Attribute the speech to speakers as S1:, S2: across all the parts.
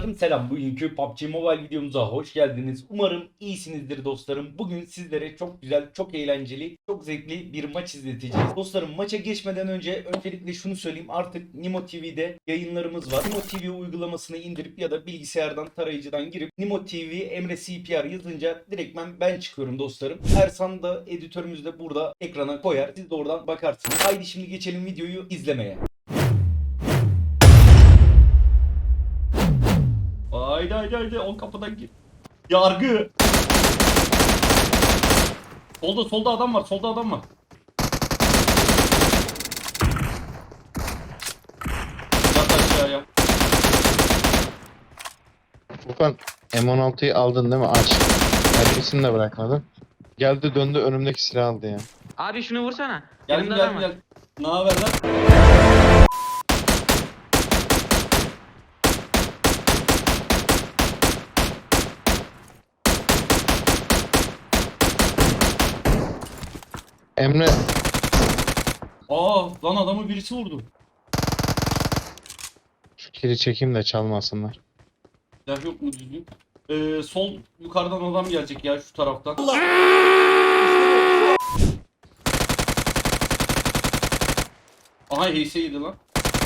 S1: Dostlarım selam. Bugünkü PUBG Mobile videomuza hoş geldiniz. Umarım iyisinizdir dostlarım. Bugün sizlere çok güzel, çok eğlenceli, çok zevkli bir maç izleteceğiz. Dostlarım maça geçmeden önce öncelikle şunu söyleyeyim. Artık Nimo TV'de yayınlarımız var. Nimo TV uygulamasını indirip ya da bilgisayardan tarayıcıdan girip Nimo TV Emre CPR yazınca direktmen ben çıkıyorum dostlarım. Ersan da editörümüz de burada ekrana koyar. Siz de oradan bakarsınız. Haydi şimdi geçelim videoyu izlemeye. Haydi haydi haydi o kapıdan gir. Yargı. Solda adam var. Solda adam var. Yat aşağıya.
S2: Furkan M16'yı aldın değil mi? Aç. Mermisini de bırakmadın. Geldi döndü önümdeki silahı aldı ya.
S3: Abi şunu vursana.
S1: Geldim
S3: Yanımda
S1: geldim
S3: adam var.
S1: geldim. Ne haber lan?
S2: Emre
S1: Lan adamı birisi vurdu.
S2: şu kiri çekeyim de çalmasınlar.
S1: Silah yok mu düzgün? Sol yukarıdan adam gelecek ya şu taraftan. Aha HS'ydi lan.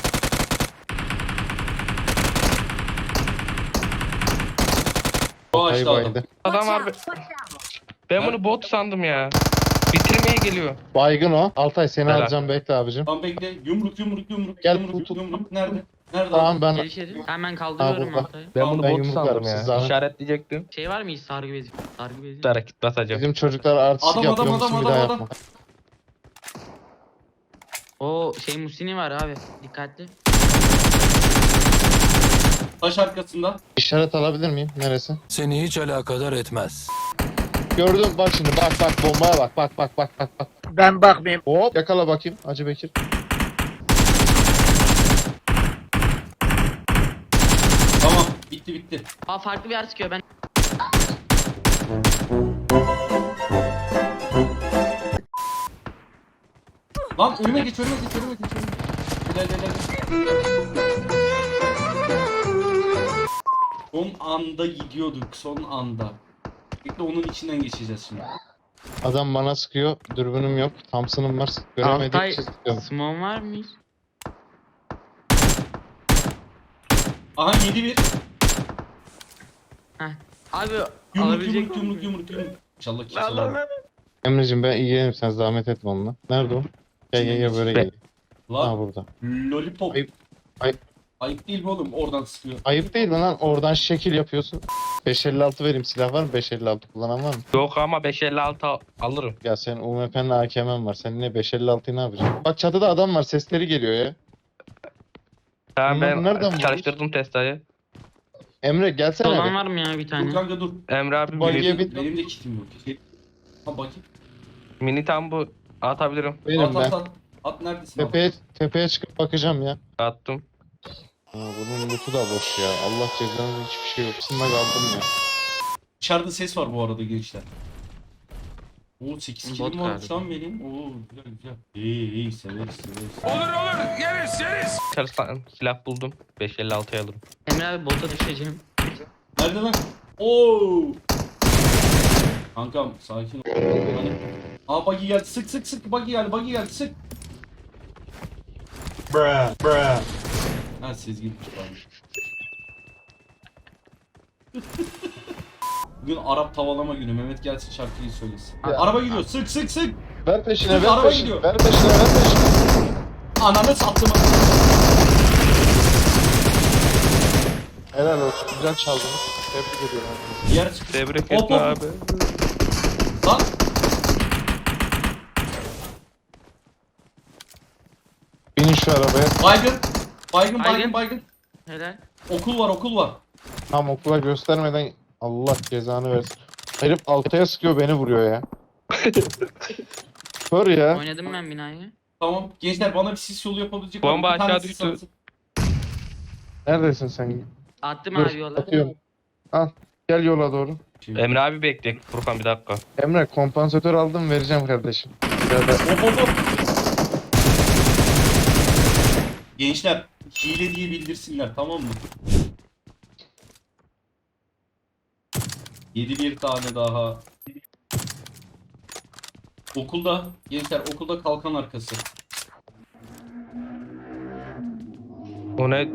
S1: O
S2: Kayı
S1: açtı adam.
S2: baydı.
S4: Adam var. Ben bunu bot sandım ya. Bitirmeye geliyor.
S2: Baygın o. Altay seni
S4: Helal.
S2: alacağım bekle abicim.
S1: Tamam bekle. Yumruk yumruk yumruk.
S2: Gel,
S1: Yumruk
S2: tut.
S1: yumruk. Nerede? Nerede?
S2: Tamam ben
S3: Gel içeri. Hemen kaldırıyorum
S2: burada.
S3: ortayı.
S4: Ben
S1: Tamam,
S4: bunu
S2: ben
S4: bot
S2: yumruklarım,
S4: sandım
S2: siz
S4: ya.
S2: zahmet.
S4: İşaretleyecektim.
S3: Şey var mı hiç sargı bezi? Sargı bezi.
S4: Bir hareket basacağım.
S2: bizim çocuklar artistik
S1: Adam,
S2: yapıyor
S1: adam,
S2: musun
S1: adam,
S2: bir daha
S1: adam,
S2: yapma.
S3: O şey Musini var abi. Dikkatli.
S1: Taş arkasında.
S2: İşaret alabilir miyim? Neresi?
S5: Seni hiç alakadar etmez.
S2: Gördüm bak şimdi bak bombaya bak.
S6: Ben bakmayayım.
S2: Hop yakala bakayım Hacı Bekir.
S1: Tamam. Bitti.
S3: Aa farklı bir yer sıkıyor ben.
S1: Lan önüme geç. Gel. Son anda gidiyorduk. Son anda. Bekle onun içinden geçeceğiz şimdi.
S2: Adam bana sıkıyor. Dürbünüm yok. Thompson'ım var.
S3: Altay
S2: Göremediğim için sıkıyorum.
S3: Smon var mı hiç?
S1: Aha 7-1.
S3: Heh. Abi
S1: Yumruk
S3: alabilecek
S1: yumruk. İnşallah kimse alamaz.
S2: Emre'cim ben ilgilenirim sen zahmet etme onunla. Nerede o? Gel böyle gel. Ha
S1: Lan
S2: burada.
S1: lollipop.
S2: Ayıp.
S1: Ayıp değil mi oğlum? Oradan sıkıyor.
S2: Ayıp değil mi lan? Oradan şekil yapıyorsun. 556 vereyim. Silah var mı? 556 kullanan var mı?
S4: Yok ama 556 alırım.
S2: Ya senin UMP'nin AKM'in var. Sen ne 556'yı ne yapacaksın? Bak çatıda adam var. Sesleri geliyor ya.
S4: Tamam
S2: Bunları
S4: ben
S2: nereden
S4: çalıştırdım testayı.
S2: Emre gelsene
S3: olan
S2: bir.
S3: var mı ya bir
S1: Dur
S3: tane?
S1: kanka dur.
S4: Emre abi
S2: Bagiye
S4: mini,
S2: bin.
S1: Benim de kitim yok. Ha bakayım.
S4: mini tam bu atabilirim.
S2: Benim ben.
S1: At neredesin abi?
S2: Tepeye çıkıp bakacağım ya.
S4: Attım.
S2: Bunun lootu da boş ya. Allah cezanı hiçbir şey yok. Sınma kaldım ya.
S1: Dışarıda ses var bu arada gençler. Oo 8
S3: Bot
S1: kilim var
S3: galiba.
S1: şu an benim. Oo güzel. İyi severiz.
S4: Çalıştan silah buldum. 556'ya alırım.
S3: Emre abi bota düşeceğim.
S1: Nerede lan? Oo. Kankam sakin ol. Hani... Buggy geldi. Sık. Buggy geldi. Sık. Ha Sezgin çıkarmış. Bugün Arap tavalama günü. Mehmet gelsin şarkıyı söylesin. Araba gidiyor. Sık.
S2: Ver peşine
S1: Dur,
S2: ver
S1: araba
S2: peşine.
S1: gidiyor.
S2: Ver peşine.
S1: Ananı sattım.
S2: Helal olsun. Güzel çaldınız. Tebrik ediyorum.
S1: Diğer çıktı.
S4: Tebrik
S1: Hop,
S4: etme
S1: hop.
S4: abi.
S1: Lan.
S2: Binin şu arabaya.
S1: Baygın.
S3: Helal.
S1: Okul var.
S2: Tam okula göstermeden Allah cezanı versin. Herif altaya sıkıyor beni vuruyor ya. Kör ya.
S3: Oynadım ben binayı.
S1: Tamam. Gençler bana bir sis yolu yapabilecek
S4: Bomba
S1: var mı? Bir tane
S4: aşağı
S1: sis
S4: düştü.
S1: atsın.
S2: Neredesin sen?
S3: Attım
S2: Dur,
S3: abi yola.
S2: atıyorum. Al. Gel yola doğru.
S4: Emre abi bekle. Furkan bir dakika.
S2: Emre kompansatör aldım vereceğim kardeşim.
S1: Hop. Gençler hile diye bildirsinler tamam mı? Yedi bir tane daha. Okulda. Gençler okulda kalkan arkası.
S4: O ne?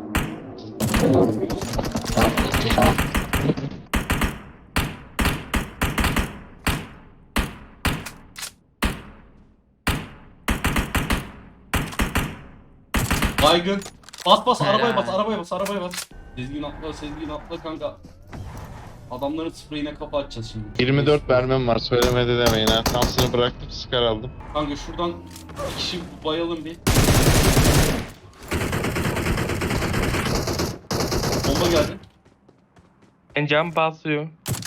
S1: Baygın. Bas bas arabaya
S3: Helal.
S1: bas arabaya bas arabaya bas. Sezgin atla kanka. Adamların spreyine kapı açacağız şimdi.
S2: 24 mermim var söylemedi demeyin ha. Tamsını bıraktım sıkar aldım.
S1: Kanka şuradan bir kişi bayalım bir. Bomba geldi.
S4: Ben cam basıyor.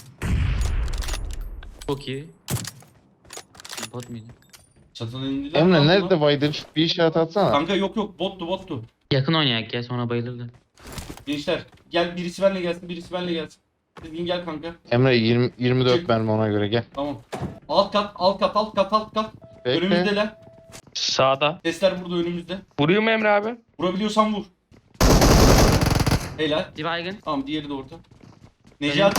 S3: Çok iyi. Bot muydu?
S1: Çatıdan indiler.
S2: Emre
S1: lan
S2: nerede
S1: bunlar.
S2: Baydın? Bir işaret atsana.
S1: Kanka yok bottu.
S3: Yakın oynayak ya sonra bayılırdı.
S1: Gençler gel birisi benle gelsin. Sezgin gel kanka.
S2: Emre 24
S1: Çık.
S2: mermi ona göre gel.
S1: Tamam. Alt kat.
S2: Bekle.
S1: Önümüzdeler.
S4: Sağda.
S1: Sesler burada önümüzde.
S4: Vuruyor mu Emre abi?
S1: Vurabiliyorsan vur. Helal.
S3: Bir baygın.
S1: Tamam diğeri de orada. Necati.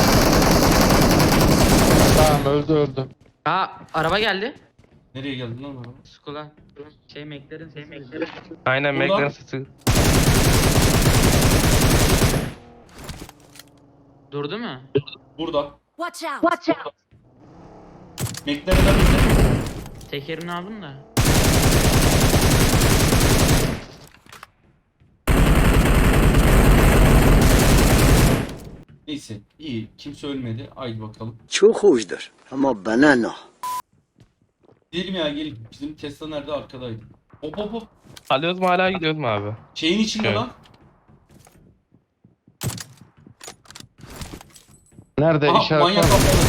S2: Tamam öldü.
S3: Aa araba geldi.
S1: Nereye geldin lan araba?
S3: Skula. McLaren.
S4: Aynen
S1: Burada.
S4: McLaren sesi.
S3: Durdu mu?
S1: Burada.
S6: Watch out!
S1: McLaren'den bizde.
S3: Tekerini aldım da.
S1: Neyse iyi. Kimse ölmedi. Haydi bakalım.
S7: Çok hoşdur ama bana ne?
S1: Gidelim ya gelin. Bizim Tesla nerede? Arkadaydı. Hop.
S4: Alıyoruz mu hala gidiyoruz mu abi?
S1: Şeyin içinde
S4: Evet.
S1: lan.
S2: Nerede
S1: Aha
S2: işaret
S1: manyak
S2: var mı?
S1: kafalı.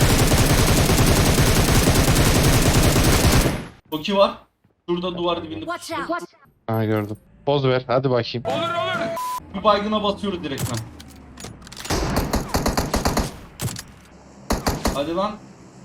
S1: Toki var. Şurada duvar dibinde.
S6: Watch
S1: pusuyor.
S6: out!
S2: Ha gördüm. Poz ver hadi bakayım.
S1: Bir baygına basıyoruz direktmen. Hadi lan.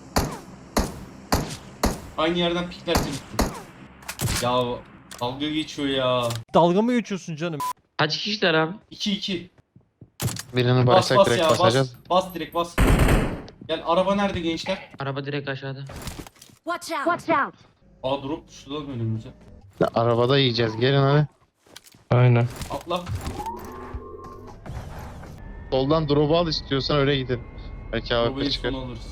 S1: Aynı yerden piklersin. Ya dalga geçiyor ya.
S8: Dalga mı geçiyorsun canım?
S3: Kaç kişiler abi?
S1: 2-2.
S2: Birini
S1: Bas
S2: baysak
S1: bas
S2: direkt
S1: ya
S2: basacağız.
S1: bas direkt bas. Gel araba nerede gençler?
S3: Araba direkt aşağıda.
S6: Watch out!
S1: Aa drop düştü lan önümüze.
S2: Arabada yiyeceğiz gelin hadi.
S4: Aynen.
S1: Atla.
S2: Soldan drop'u al istiyorsan öyle gidelim. Belki
S1: Arabayı
S2: AWP çıkar.
S1: son alırız.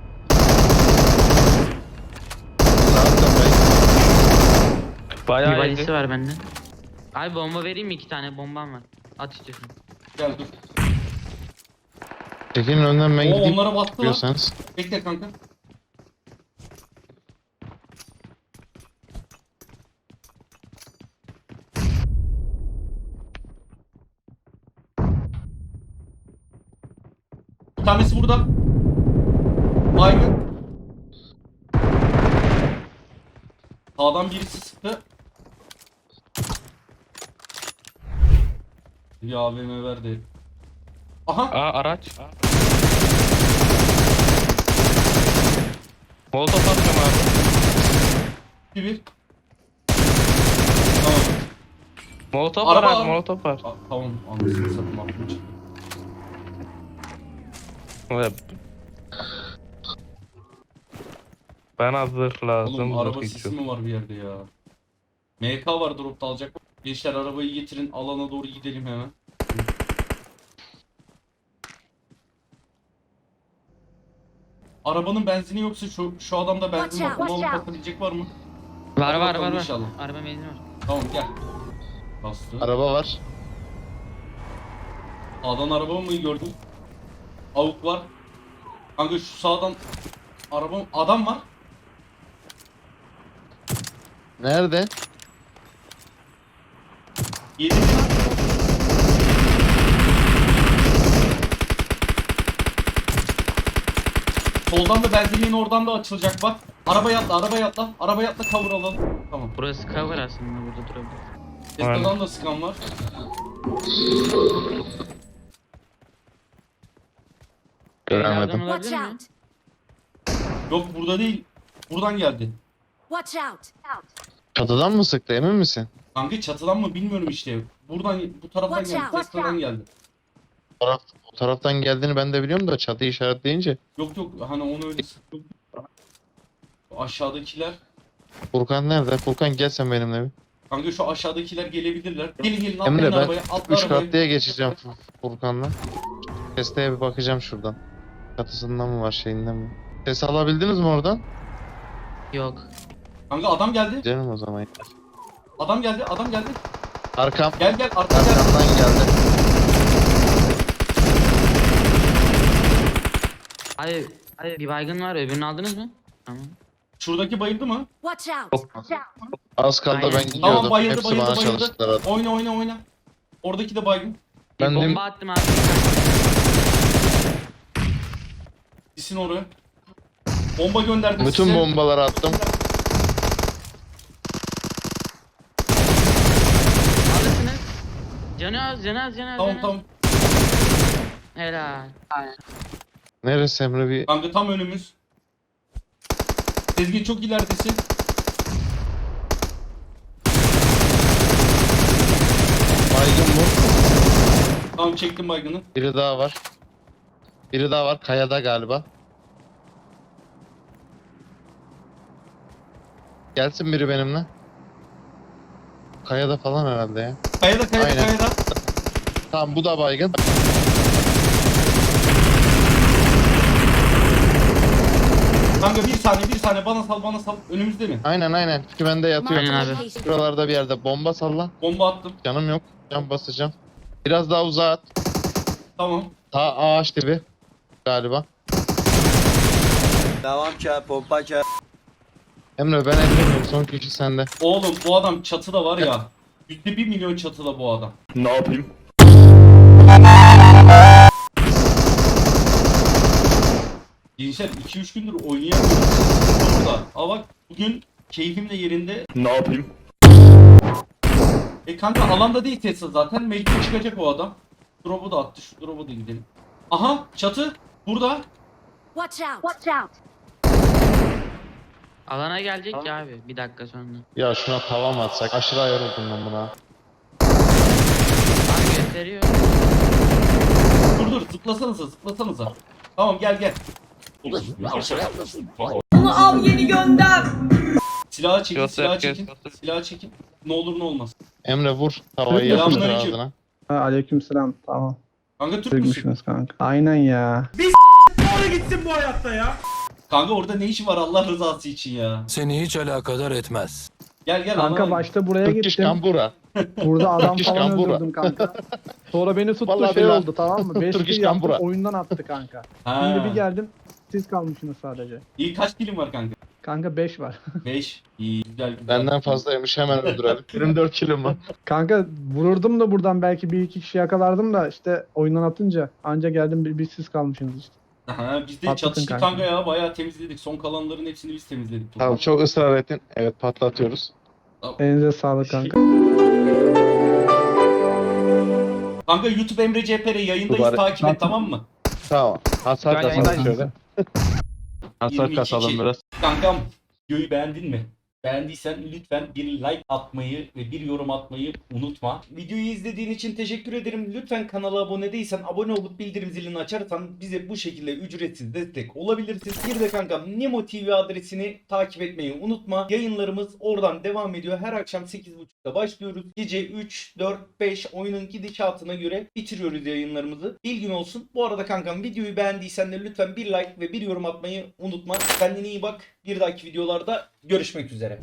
S2: Zaten
S3: Bir
S4: Bayağı
S3: valisi
S4: iyiydi.
S3: var bende. Abi bomba vereyim mi? 2 tane bombam var. At istiyorsun.
S1: Gel dur.
S2: Çekilin önden ben
S1: Oo
S2: gideyim
S1: onlara battı lan.
S2: diyorsanız.
S1: Bekle kanka. Bir tanesi burada. Baygın. Sağdan birisi sıktı. Bir AVM verdi. Aha.
S4: Aa araç. Molotov atıyorum abi.
S1: Bir. Tamam.
S4: Molotov
S1: Araba
S4: var
S1: al.
S4: abi molotov var.
S1: Tamam anlasını satayım aklım çıktı.
S4: Evet. Bana zırh lazım.
S1: Oğlum araba
S4: zırh
S1: sesi
S4: içiyorum.
S1: mi var bir yerde ya? MK var dropta alacak. Gençler arabayı getirin alana doğru gidelim hemen. Arabanın benzini yoksa şu adamda benzin var.
S6: Watch out,
S1: Onu alıp
S6: watch out.
S1: bakabilecek var mı?
S3: Var
S1: Hadi
S3: var
S1: bakalım
S3: var.
S1: inşallah.
S3: Araba benzin var.
S1: Tamam gel. Bastı.
S2: Araba var.
S1: Sağdan araba mı gördün? Avuk var. Kanka şu sağdan adam var.
S2: Nerede?
S1: 7. Soldan da benzinliğin oradan da açılacak bak. Arabaya atla cover alalım. Tamam.
S3: Burası cover aslında burada durabilir.
S1: Tesla'dan da sıkan var.
S2: Göremedim.
S3: Evlerden
S6: Watch
S3: olabilir mi?
S6: out!
S1: Yok burada değil. Buradan geldi.
S6: Watch out!
S2: Çatıdan mı sıktı emin misin?
S1: Kanka çatıdan mı bilmiyorum işte. Buradan bu taraftan
S6: Watch
S1: geldi.
S6: out, watch
S1: Tesla'dan
S6: out.
S1: geldi.
S2: O taraftan geldiğini ben de biliyorum da çatı işaretleyince.
S1: Yok yok hani onu öyle sıkıntı. Aşağıdakiler.
S2: Furkan nerede? Furkan gel sen benimle bir.
S1: Kanka şu aşağıdakiler gelebilirler. Gelin gelin
S2: Emre
S1: atlayın
S2: ben
S1: arabaya. Atla
S2: 3
S1: arabaya.
S2: katlıya geçeceğim Furkan'la. Testeye bir bakacağım şuradan. Çatısından mı var şeyinden mi? Ses alabildiniz mi oradan?
S3: Yok.
S1: Kanka adam geldi.
S2: Canım o zaman.
S1: Adam geldi. Adam geldi.
S2: Arkam.
S1: Gel gel arka gel.
S2: Arkamdan geldi.
S3: Hayır bir baygın var, öbürünü aldınız mı? Tamam.
S1: Şuradaki bayıldı mı?
S6: Watch out! Watch out!
S2: Az kaldı
S3: Aynen.
S2: ben gidiyordum.
S1: Tamam bayıldı
S2: Hepsi
S1: bayıldı
S2: bana
S1: bayıldı.
S2: çalıştılar abi.
S1: Oyna oyna oyna. Oradaki de baygın.
S3: Bir
S2: Ben de-
S3: bomba attım abi.
S1: Gitsin oraya. Bomba gönderdim
S2: Bütün
S1: size.
S2: bombaları attım.
S3: Alırsınız. Canı az.
S1: Tamam tamam.
S3: Helal.
S2: Neresi Emre bir...
S1: Kanka tam önümüz. Sezgin çok ileridesin.
S2: Baygın bu.
S1: Tamam çektim baygını.
S2: Biri daha var. Biri daha var. Kayada galiba. Gelsin biri benimle. Kayada falan herhalde ya.
S1: Kayada
S2: Aynen.
S1: kayada.
S2: Tamam bu da baygın.
S1: Kanka bir saniye bana sal. Önümüzde mi?
S2: Aynen. Kümende yatıyor.
S3: Aynen abi.
S6: Location.
S2: Şuralarda bir yerde bomba salla.
S1: Bomba attım.
S2: Canım yok. Can basacağım. Biraz daha uzağa at.
S1: Tamam.
S2: Ta ağaç dibi. Galiba.
S7: Devam ki pompa ki.
S2: Emre ben ellemiyorum. Son kişi sende.
S1: Oğlum bu adam çatıda var ya. %1 milyon çatıda bu adam.
S8: Ne yapayım?
S1: Gençler 2-3 gündür oynayamıyorum. Burada. Ama bak bugün keyfim de yerinde.
S8: Ne yapayım?
S1: Kanka alanda değil Tesla zaten. Mecbur çıkacak o adam. Drop'u da attı. Şu drop'u da gidelim. Aha çatı. Burada.
S6: Watch out! Watch out!
S3: Alana gelecek ya abi. Bir dakika sonra.
S2: Ya şuna tava mı atsak? Aşırı ayarıldım ben buna.
S3: Abi gösteriyor.
S1: Dur zıplasanıza. Tamam gel.
S9: Onu al yeni gönder.
S1: Silahı çekin,
S4: Göster.
S1: Silahı çekin. Ne olur ne olmaz.
S2: Emre vur. Tavayı yapıştır
S1: Selamünaleyküm.
S2: ağzına.
S10: Aleykümselam. Tamam.
S1: Kanka Türk müsün?
S10: Türkmüşsünüz kanka. Aynen ya.
S1: Kanka orada ne işi var Allah rızası için ya?
S5: Seni hiç alakadar etmez.
S1: Gel
S10: Kanka
S1: anlamadım.
S10: başta buraya
S2: Türk
S10: gittim.
S2: Kambura.
S10: Burada adam
S2: Türk
S10: falan
S2: Kambura.
S10: öldürdüm kanka. Sonra beni tuttu
S2: Vallahi
S10: şey
S2: billahi.
S10: oldu tamam mı? 5
S2: Türk
S10: kill yaptım
S2: Kambura.
S10: oyundan attı kanka.
S1: Ha.
S10: Şimdi bir geldim siz kalmışsınız sadece.
S1: İyi kaç kilim var kanka?
S10: Kanka 5 var.
S1: 5. İyi güzel.
S2: Benden fazlaymış hemen öldürelim. 24 kilim var.
S10: Kanka vururdum da buradan belki bir iki kişi yakalardım da işte oyundan atınca anca geldim bir siz kalmışsınız işte.
S1: Aha, biz de
S10: Patlatın
S1: çatıştık
S10: kanka.
S1: kanka ya bayağı temizledik. Son kalanların hepsini biz temizledik.
S2: Tamam çok ısrar ettin. Evet patlatıyoruz.
S10: Elinize sağlık kanka.
S1: Kanka YouTube Emre CPR yayındayız
S2: Mübarek.
S1: takip et tamam mı?
S2: Tamam. Hasar
S4: Ben
S2: kasalım
S4: yayındayım.
S2: şöyle. Hasar
S1: 22
S2: kasalım
S1: kill.
S2: biraz.
S1: Kankam videoyu beğendin mi? Beğendiysen lütfen bir like atmayı ve bir yorum atmayı unutma. Videoyu izlediğin için teşekkür ederim. Lütfen kanala abone değilsen abone olup bildirim zilini açarsan bize bu şekilde ücretsiz destek olabilirsin. Bir de kankam Nemo TV adresini takip etmeyi unutma. Yayınlarımız oradan devam ediyor. Her akşam 8.30'da başlıyoruz. Gece 3, 4, 5 oyunun gidişatına göre bitiriyoruz yayınlarımızı. Bilgin olsun. Bu arada kankam videoyu beğendiysen de lütfen bir like ve bir yorum atmayı unutma. Kendine iyi bak. Bir dahaki videolarda görüşmek üzere.